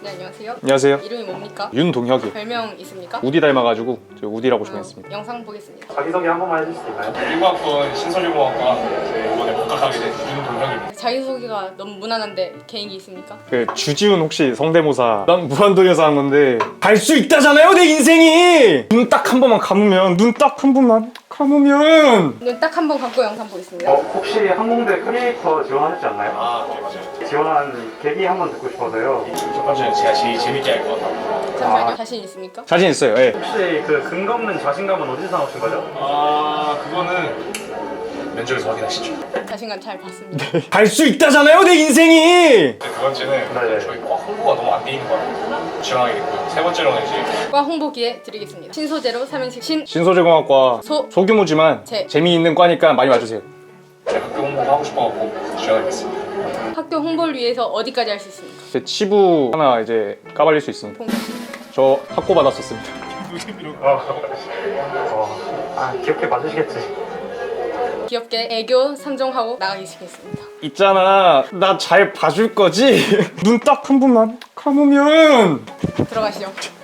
네, 안녕하세요. 안녕하세요. 이름이 뭡니까? 윤동혁이. 별명 있습니까? 우디 닮아가지고 저 우디라고 정했습니다. 영상 보겠습니다. 자기소개 한 번만 해줄 수 있나요? 1학번 신설유공학과 이번에 복학하게 된 윤동혁입니다. 자기소개가 너무 무난한데 개인기 있습니까? 그 주지훈 혹시 성대모사 난 무한도전에서 한 건데 갈 수 있다잖아요 내 인생이. 눈 딱 한 번만 감으면 눈 딱 한 번만 감으면 눈 딱 한 번 감고 영상 보겠습니다. 혹시 항공대 크리에이터 지원하셨지 않나요? 아, 네, 맞아요. 지원한 계기 한번 듣고 싶어서요. 첫 번째는 제가 제일 재밌게 할 것 같아요. 잠시만요. 자신 있습니까? 자신 있어요. 예. 혹시 그 근거 없는 자신감은 어디서 나오신 거죠? 아, 그거는 면접에서 확인하시죠. 자신감 잘 봤습니다. 갈 수 있다잖아요 내 인생이. 네, 두 번째는 네. 저희 과 홍보가 너무 안 돼 있는 것 같아요. 지원하게 됐고요. 세 번째로는 이제 과 홍보 기회 드리겠습니다. 신소재로 삼행시 신소재공학과 소. 소규모지만 재. 재미있는 과니까 많이 와주세요. 제가 학교 홍보가 하고 싶어갖고 지원하게 됐습니다. 학교 홍보를 위해서 어디까지 할 수 있습니까? 제 치부 하나 이제 까발릴 수 있습니다. 공개. 저 학고 받았었습니다. 귀엽게 봐주시겠지. 귀엽게 애교 상정하고 나가기 시겠습니다. 있잖아 나 잘 봐줄 거지? 눈 딱 한 번만 감으면 들어가시죠.